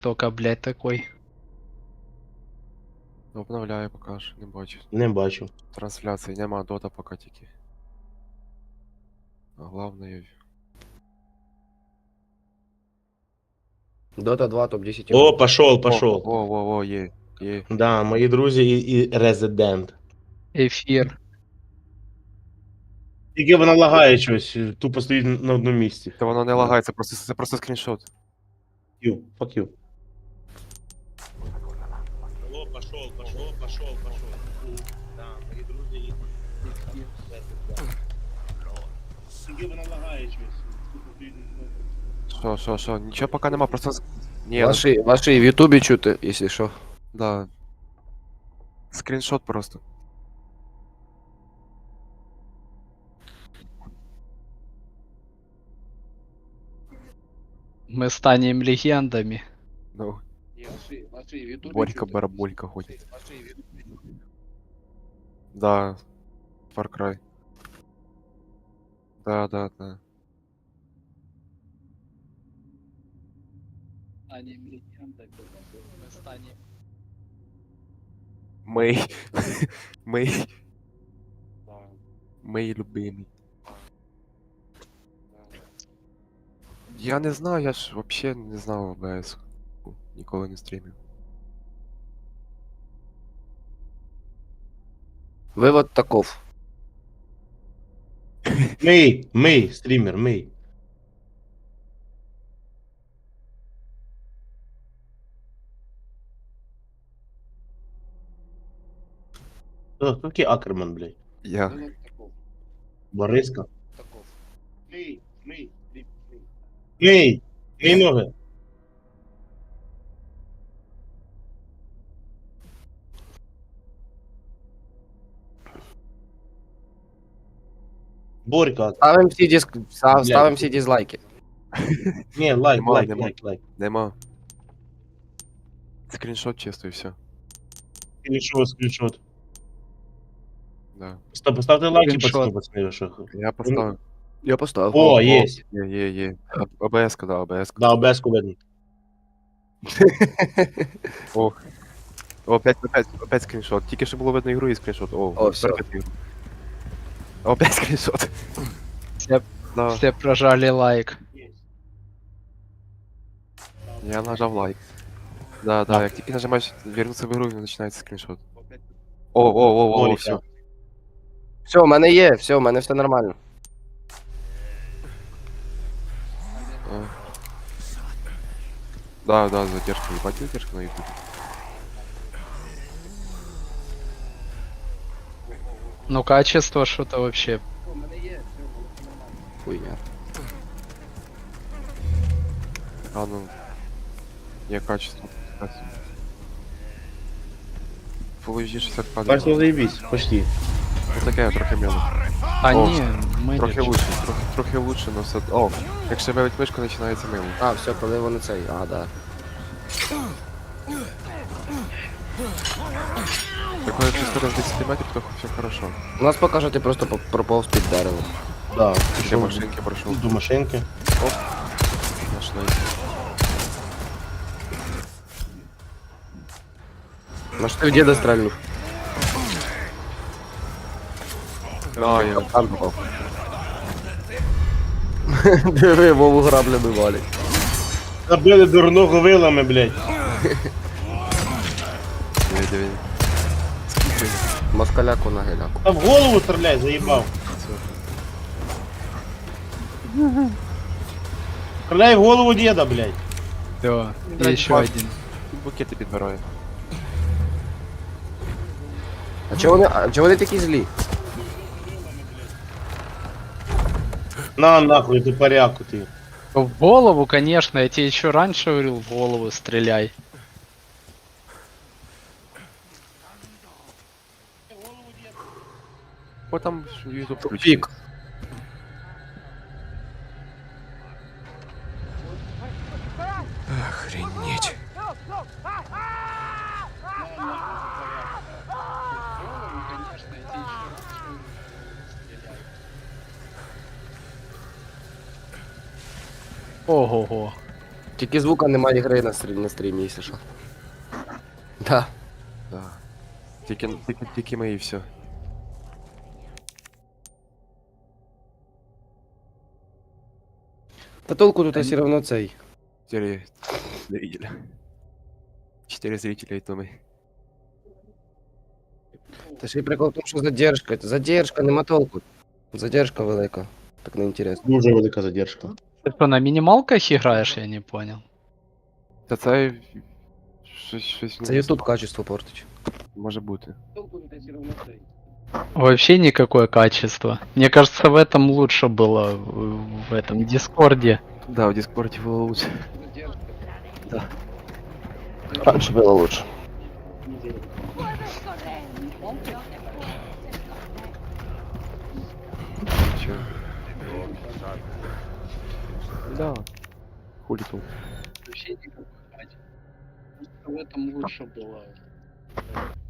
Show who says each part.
Speaker 1: Только, блядь, такой.
Speaker 2: Обновляю поки що, не бачу.
Speaker 3: Не бачу.
Speaker 2: Трансляції нема, дота поки тільки. А главное...
Speaker 4: Dota 2 топ-10
Speaker 3: О, пошел, пошел.
Speaker 2: О, є.
Speaker 3: Да, мої друзі і Резидент.
Speaker 1: Эфир.
Speaker 3: Тільки вона лагає щось, тупо стоїть на одному місці.
Speaker 2: Та воно не лагає, це просто скріншот.
Speaker 3: Fuck you. О, пошел. Да, мої друзі і Тільки вона лагає щось, тупо стоїть на
Speaker 2: Що, нічого поки нема, просто... Ні,
Speaker 4: Ваши в Ютубе чути, если що.
Speaker 2: да. Скріншот просто.
Speaker 1: Мы станем легендами.
Speaker 2: Ну,
Speaker 4: Ваши в Ютубе
Speaker 2: Борька-бараболька ходить. Да, Far Cry. Да.
Speaker 1: Станем легендами. Мы станем...
Speaker 2: Мей любимий. Я не знаю, я ж вообще не знав ОБС. Ніколи не стрімив.
Speaker 4: Вывод таков.
Speaker 3: Мий, стрімер, мий. Хто такий Акерман, блядь?
Speaker 2: Я.
Speaker 4: Вывод таков.
Speaker 3: Бориска?
Speaker 4: Таков.
Speaker 3: Мий ноги. Борька.
Speaker 4: Ставим все дизлайки.
Speaker 3: Ні, лайк.
Speaker 2: Нема. Скріншот чисто і все.
Speaker 3: Скріншот.
Speaker 2: Да.
Speaker 3: Поставте лайки,
Speaker 1: Скріншот.
Speaker 3: пацани, що.
Speaker 2: Я поставив.
Speaker 4: Я поставил.
Speaker 3: О, єсть.
Speaker 2: Є. ОБС-ка, да, ОБС-ка.
Speaker 3: Да, обеску видно.
Speaker 2: О, опять скріншот. Тільки що було видно ігру і скріншот.
Speaker 4: О, всё.
Speaker 2: тепер ігру. Опять скріншот.
Speaker 1: Все,
Speaker 2: Да,
Speaker 1: все прожали лайк.
Speaker 2: я нажав лайк. Да, як тільки нажимаєш вернуться в ігру, і починається скріншот. О,
Speaker 3: Борька.
Speaker 2: все.
Speaker 4: Все, у мене є, все, у мене все нормально.
Speaker 2: Да, задержка, ебать задержка на ютубе.
Speaker 1: Ну, качество что-то вообще.
Speaker 4: Хуйня.
Speaker 2: А ну. Я качество. Full HD 60
Speaker 3: Бачно,
Speaker 2: кадрів.
Speaker 3: заебись, почти.
Speaker 2: Ну таке, трохи мило.
Speaker 1: А
Speaker 2: О,
Speaker 1: не, мы
Speaker 2: Трохи
Speaker 1: не...
Speaker 2: лучше, трохи лучше, но все... О, якщо вивить мишку, починається мило.
Speaker 4: А, все, коли вони цей. А, да.
Speaker 2: Так якщо скоро з 10 метрів, то все хорошо.
Speaker 4: У нас поки що ти просто проповз під деревом.
Speaker 3: Да,
Speaker 2: Ще
Speaker 3: пішов
Speaker 2: машинки пройшов.
Speaker 3: до машинки.
Speaker 2: Нашли.
Speaker 4: На що ти в діда стрельнув?
Speaker 2: А, я...
Speaker 4: Там попав. Диви, Вову граблями валять.
Speaker 3: Забили дурного вилами, блядь.
Speaker 2: Диви.
Speaker 4: Москаляку на геляку.
Speaker 3: Та в голову стріляй, заїбав. Стріляй в голову деда, блядь.
Speaker 1: Да,
Speaker 2: Блядь,
Speaker 1: еще
Speaker 2: бак.
Speaker 1: один.
Speaker 2: Букети підбирає.
Speaker 4: А чого вони такі злі?
Speaker 3: На нахуй, ты поряку ты.
Speaker 1: В голову, конечно, я тебе еще раньше говорил, в голову стреляй.
Speaker 2: О, там ютуб
Speaker 4: Тупик. Охренеть.
Speaker 1: Ого-го.
Speaker 4: Тільки звука немає гри на стрімі, якщо що. Да.
Speaker 2: Да. Тільки ми і все.
Speaker 4: Та толку тут все равно цей.
Speaker 2: 4 зрителя. 4 зрителя і то ми.
Speaker 4: Та ще й прикол в тому, що задержка. Задержка, нема толку. Задержка велика. Так не інтересно.
Speaker 5: Дуже велика задержка.
Speaker 1: Ты что, на минималках играешь, я не понял.
Speaker 2: Та це... Щось...
Speaker 4: Це YouTube качество портить.
Speaker 2: Може бути.
Speaker 4: Толку тут все равно цей.
Speaker 1: Вообще никакое качество. Мне кажется, в этом лучше было, в этом Дискорде.
Speaker 2: Да, в Дискорді було лучше.
Speaker 4: Да. Раньше было лучше.
Speaker 2: Чё? Да. Хули тут.
Speaker 1: Вообще никакое качество. В этом лучше было.